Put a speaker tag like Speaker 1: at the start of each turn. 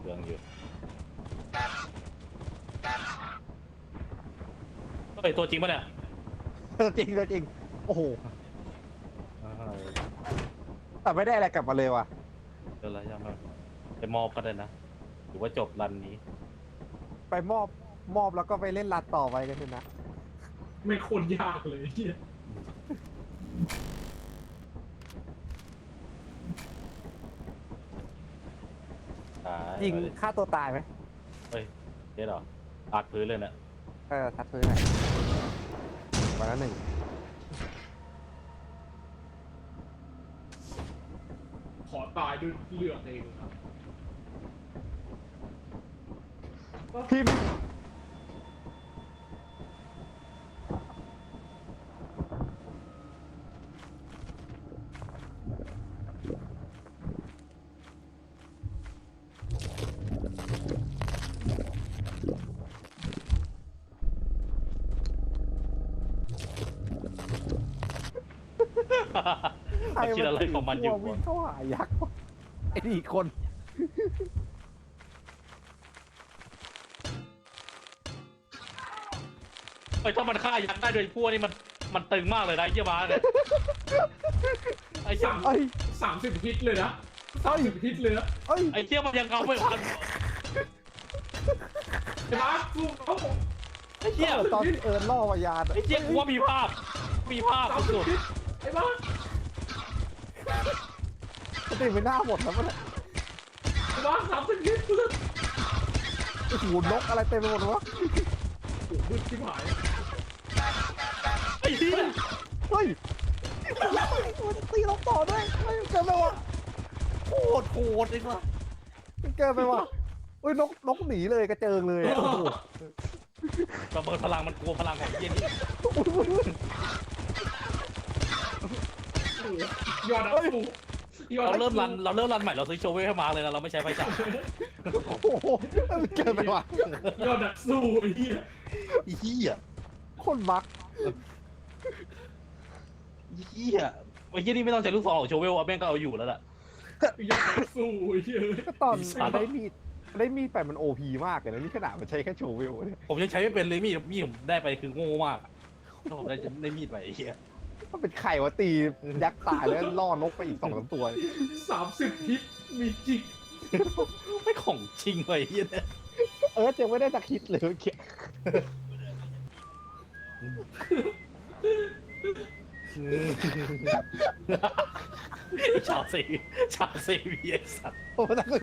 Speaker 1: องอยู่เฮ้ยตัวจริงปะเนี่ย
Speaker 2: จริงจริงโอ้โหแต่ไม่ได้อะไรกลับมาเลยว่ะ
Speaker 1: เดี๋ยวอะไรยังไม่ไปมอบก็ได้นะหรือว่าจบรันนี้
Speaker 2: ไปมอบแล้วก็ไปเล่นรัดต่อไปกันเถอะนะ
Speaker 3: ไม่โคนยากเลยเฮีย
Speaker 2: ยิงฆ่าตัวตายไหม
Speaker 1: เฮ้ยเจ๊หรออัดพื้นเลยเนี่ย
Speaker 2: ทัดพื้นหน่อยวันละหนึ่ง
Speaker 3: ขอตายด้วยเลือดเองครับ
Speaker 2: พิมพ์
Speaker 1: มันคิดอะไรของมันอยู่
Speaker 2: วิ่งเข้าหายักษ์ไอ้นี่คน
Speaker 1: ไอ้ถ้ามันฆ่ายักษ์ได้โดยพวกนี้มันตึงมากเลยนะไอ้เหี้ยบ้าเนี่ยไอ้เหี้ย
Speaker 2: เอ้ย
Speaker 3: 30 ฮิตเลยนะ30 ฮิตเลยนะ
Speaker 2: เอ้ย
Speaker 1: ไอ้เหี้ยมันยังเอาไม่ทัน
Speaker 3: ไอ้บ้าสู้เขา
Speaker 1: ไอ้เหี้ย
Speaker 2: ตอนที่ล่อวายาน
Speaker 1: ไอ้เหี้ยกูว่ามีภาพสุด
Speaker 3: ฮิตไอ้บ้า
Speaker 2: สติไม่น่าหมดแล้วมัน
Speaker 3: ไอ้บ้า30 ฮิตเลย
Speaker 2: โอ้โหนกอะไรเต็มไปหมดเลยวะ
Speaker 3: โอ้โหมืดชิบหาย
Speaker 1: ไอ้เหี้ย
Speaker 2: เฮ้ยมันตีเราต่อด้วยเฮ้ยเกินไปว่ะ
Speaker 1: โคตรเลยว่ะ
Speaker 2: เกินไปว่ะเฮ้ยนกหนีเลยกระเจิงเลยอะโอ้โห
Speaker 1: ระเบิดพลังมันกลัวพลังของเหี้ยนี่
Speaker 3: ยอดนักสู้ยอด
Speaker 1: เรา
Speaker 3: นัก
Speaker 1: เริ่ม
Speaker 3: สู้
Speaker 1: รันใหม่เราซื้อโชเวลให้มาเลยนะเราไม่ใช้ไฟฉาย
Speaker 2: โอ้โหมันเกินไปว่ะ
Speaker 3: ยอดนักสู้ไอ้เหี้ย
Speaker 1: เหี้ย
Speaker 2: คนมัก
Speaker 1: เหี้ยไอ้เหี้ยนี่ไม่ต้องใช้ลูกซองหรอกโชเวลอะแม่งก็เอาอยู่แล้วล่ะ
Speaker 3: ยอดนักสู้ไอ้เหี้ย
Speaker 2: ก็ตอนได้มีดไปมันโอพีมากเลยนะนี่ขนาดมันใช้แค่โชว์วิวเนี่ย
Speaker 1: ผมยังใช้ไม่เป็นเลยมีดผมได้ไปคือโง่มากถ้าผมได้มีดไปไอ้เหี้ย
Speaker 2: มันเป็นไข่วะตียักษ์ตายแล้วล่อนกไปอีก2-3ตัว
Speaker 3: 30 ฮิตมีจริง
Speaker 1: ไม่ของจริงเลยไอ้เหี้ยเนี่ย
Speaker 2: ยังไม่ได้สักฮิตเลยเมื่อกี้
Speaker 1: ชาวซีวีไอ้สัตว์
Speaker 2: โอ้โห